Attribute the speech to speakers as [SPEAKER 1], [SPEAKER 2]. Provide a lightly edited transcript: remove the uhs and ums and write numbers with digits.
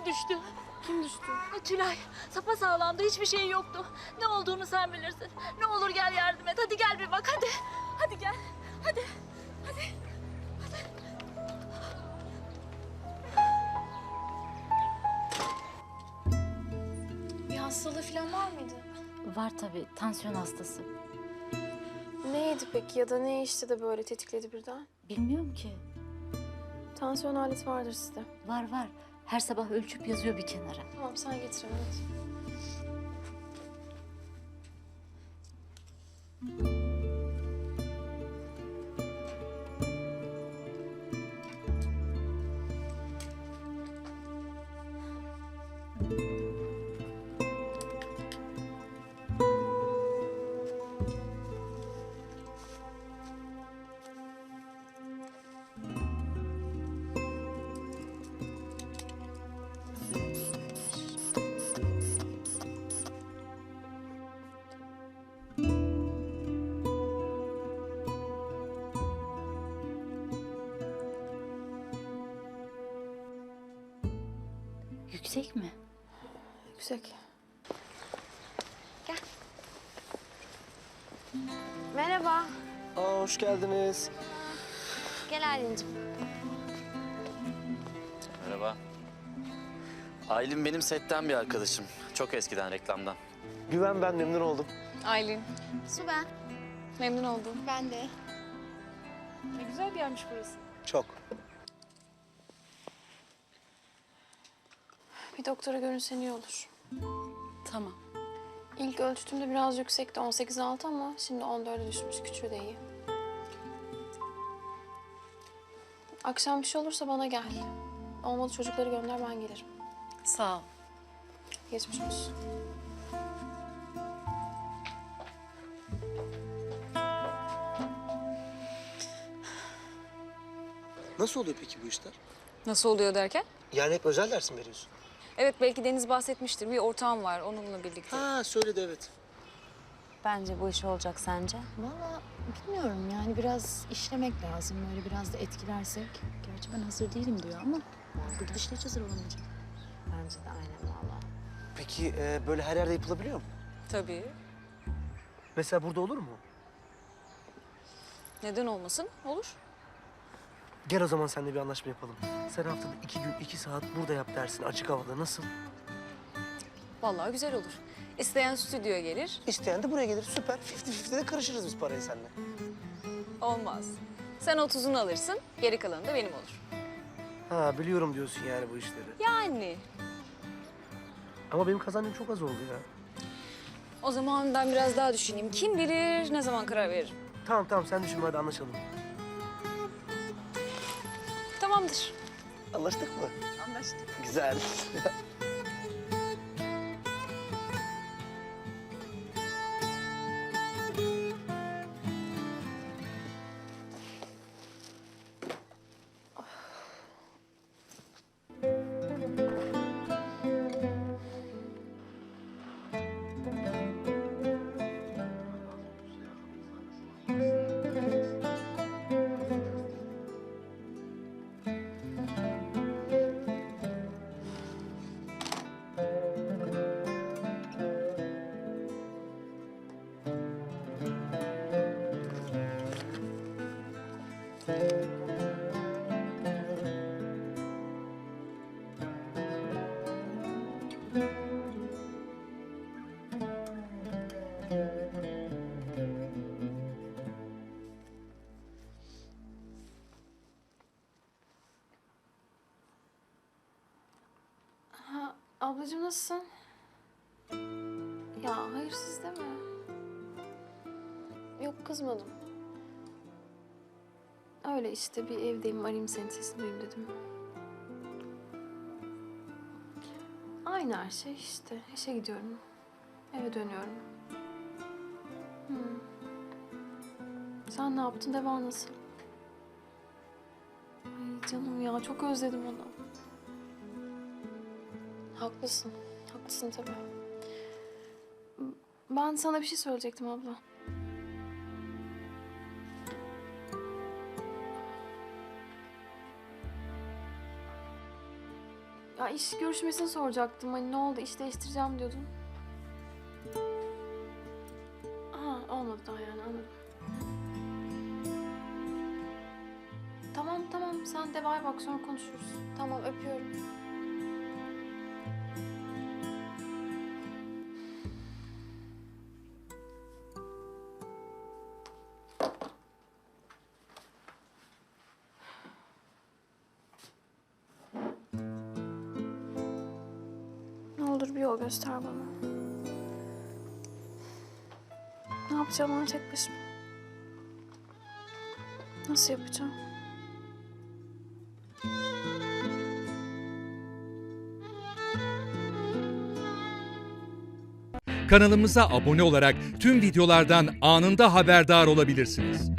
[SPEAKER 1] düştü.
[SPEAKER 2] Kim düştü?
[SPEAKER 1] Tülay sapasağlamdı, hiçbir şey yoktu. Ne olduğunu sen bilirsin. Ne olur gel yardım et. Hadi gel bir bak hadi. Hadi gel. Hadi.
[SPEAKER 2] Bir hastalığı falan var mıydı?
[SPEAKER 3] Var tabii, tansiyon hastası.
[SPEAKER 2] Neydi peki ya da ne içti de böyle tetikledi birden?
[SPEAKER 3] Bilmiyorum ki.
[SPEAKER 2] Tansiyon aleti vardır sizde.
[SPEAKER 3] Var. Her sabah ölçüp yazıyor bir kenara.
[SPEAKER 2] Tamam sen getir evet.
[SPEAKER 3] Yüksek mi?
[SPEAKER 2] Yüksek. Gel. Merhaba.
[SPEAKER 4] Aa, hoş geldiniz.
[SPEAKER 2] Gel Aylin'cim.
[SPEAKER 5] Merhaba. Aylin benim setten bir arkadaşım. Çok eskiden reklamdan.
[SPEAKER 4] Güven ben, memnun oldum.
[SPEAKER 6] Aylin.
[SPEAKER 2] Su ben.
[SPEAKER 6] Memnun oldum.
[SPEAKER 2] Ben de.
[SPEAKER 6] Ne güzel bir yermiş burası.
[SPEAKER 4] Çok.
[SPEAKER 2] Bir doktora görünsen iyi olur.
[SPEAKER 6] Tamam.
[SPEAKER 2] İlk ölçtüğümde biraz yüksekti 18,6 ama şimdi 14'e düşmüş. Küçüğü de iyi. Akşam bir şey olursa bana gel. Olmadı çocukları gönder ben gelirim.
[SPEAKER 6] Sağ ol.
[SPEAKER 2] Geçmiş olsun.
[SPEAKER 4] Nasıl oluyor peki bu işler?
[SPEAKER 6] Nasıl oluyor derken?
[SPEAKER 4] Yani hep özel ders mi veriyorsun?
[SPEAKER 6] Evet belki Deniz bahsetmiştir. Bir ortağım var onunla birlikte.
[SPEAKER 4] Ha, söyledi evet.
[SPEAKER 7] Bence bu iş olacak sence?
[SPEAKER 3] Vallahi bilmiyorum yani biraz işlemek lazım. Böyle biraz da etkilersek. Gerçi ben hazır değilim diyor ama bu gidişle hiç hazır olamayacak.
[SPEAKER 7] Bence de aynen valla.
[SPEAKER 4] Peki böyle her yerde yapılabiliyor mu?
[SPEAKER 6] Tabii.
[SPEAKER 4] Mesela burada olur mu?
[SPEAKER 6] Neden olmasın? Olur.
[SPEAKER 4] Gel o zaman seninle bir anlaşma yapalım. Sen haftada 2 gün 2 saat burada yap dersini açık havada. Nasıl?
[SPEAKER 6] Vallahi güzel olur. İsteyen stüdyoya gelir.
[SPEAKER 4] İsteyen de buraya gelir. Süper. 50-50'de karışırız biz parayı seninle.
[SPEAKER 6] Olmaz. Sen 30'unu alırsın, geri kalanı da benim olur.
[SPEAKER 4] Ha, biliyorum diyorsun yani bu işleri.
[SPEAKER 6] Yani.
[SPEAKER 4] Ama benim kazancım çok az oldu ya.
[SPEAKER 6] O zaman ben biraz daha düşüneyim. Kim bilir ne zaman karar veririm.
[SPEAKER 4] Tamam sen düşünme, hadi anlaşalım.
[SPEAKER 6] Tamamdır.
[SPEAKER 4] Anlaştık mı?
[SPEAKER 6] Anlaştık.
[SPEAKER 4] Güzel.
[SPEAKER 2] Ablacığım nasılsın? Ya hayırsız deme. Yok kızmadım. Öyle işte bir evdeyim arayayım senin sesini duyayım dedim. Aynı her şey işte. İşe gidiyorum. Eve dönüyorum. Sen ne yaptın? Devam nasıl? Ay canım ya çok özledim onu. Haklısın. Haklısın tabii. Ben sana bir şey söyleyecektim abla. Ya iş görüşmesini soracaktım. Hani ne oldu, iş değiştireceğim diyordun. Aha, olmadı daha yani, anladım. Tamam, sen de bay bak, sonra konuşuruz. Tamam, öpüyorum. Ne olur bir yol göster bana. Ne yapacağım onu tek başıma? Nasıl yapacağım?
[SPEAKER 8] Kanalımıza abone olarak tüm videolardan anında haberdar olabilirsiniz.